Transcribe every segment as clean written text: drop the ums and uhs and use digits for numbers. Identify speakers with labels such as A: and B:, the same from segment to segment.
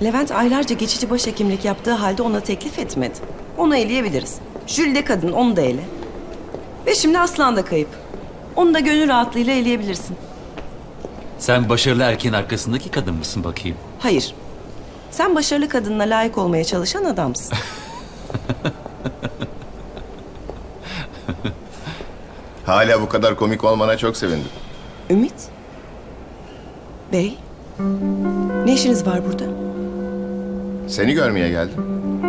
A: Levent aylarca geçici başhekimlik yaptığı halde ona teklif etmedi. Onu eleyebiliriz. Jüri de kadın, onu da ele. Ve şimdi Aslan da kayıp. Onu da gönül rahatlığıyla eleyebilirsin.
B: Sen başarılı erkeğin arkasındaki kadın mısın bakayım?
A: Hayır. Sen başarılı kadınla layık olmaya çalışan adamsın.
C: Hala bu kadar komik olmana çok sevindim.
A: Ümit? Bey? Ne işiniz var burada?
C: Seni görmeye geldim.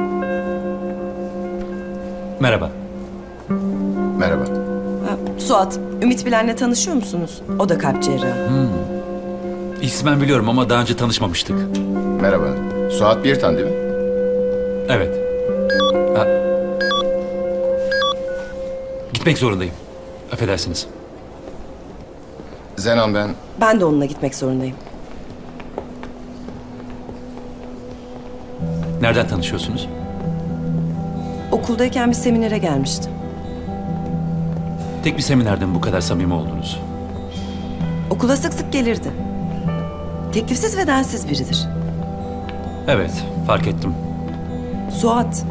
B: Merhaba.
C: Merhaba.
A: Ha, Suat, Ümit Bilen'le tanışıyor musunuz? O da kalp cerrahı.
B: İsmen biliyorum ama daha önce tanışmamıştık.
C: Merhaba. Suat Birtan değil mi?
B: Evet. Ha. Gitmek zorundayım. Affedersiniz.
C: Zenan ben.
A: Ben de onunla gitmek zorundayım.
B: Nereden tanışıyorsunuz?
A: Okuldayken bir seminere gelmişti.
B: Tek bir seminerden bu kadar samimi oldunuz.
A: Okula sık sık gelirdi. Teklifsiz ve densiz biridir.
B: Evet, fark ettim.
A: Suat.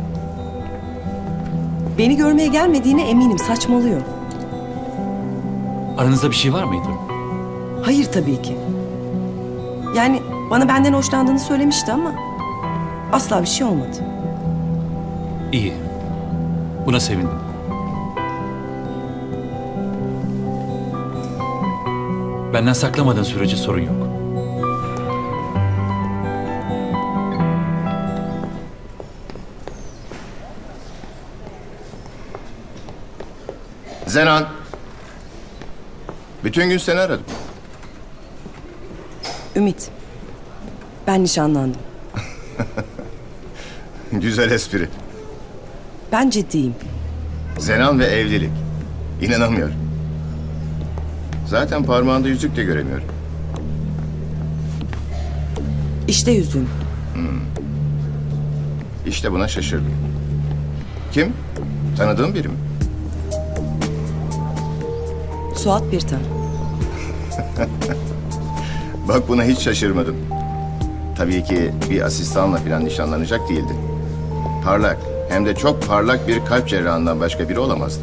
A: Beni görmeye gelmediğine eminim, saçmalıyor.
B: Aranızda bir şey var mıydı?
A: Hayır tabii ki. Yani bana benden hoşlandığını söylemişti ama asla bir şey olmadı.
B: İyi. Buna sevindim. Benden saklamadığın sürece sorun yok.
C: Zenan. Bütün gün seni aradım.
A: Ümit. Ben nişanlandım.
C: Güzel espri.
A: Ben ciddiyim.
C: Zenan ve evlilik. İnanamıyorum. Zaten parmağında yüzük de göremiyorum.
A: İşte yüzüğüm.
C: İşte buna şaşırdım. Kim? Tanıdığın biri mi?
A: Suat Birtan.
C: Bak buna hiç şaşırmadım. Tabii ki bir asistanla falan nişanlanacak değildi. Parlak, hem de çok parlak bir kalp cerrahından başka biri olamazdı.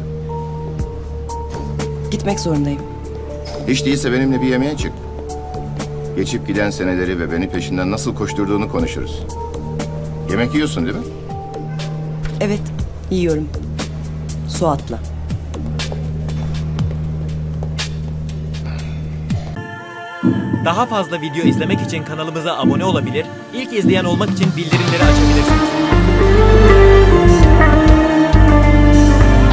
A: Gitmek zorundayım.
C: Hiç değilse benimle bir yemeğe çık. Geçip giden seneleri ve beni peşinden nasıl koşturduğunu konuşuruz. Yemek yiyorsun değil mi?
A: Evet, yiyorum. Suat'la.
D: Daha fazla video izlemek için kanalımıza abone olabilir, ilk izleyen olmak için bildirimleri açabilirsiniz.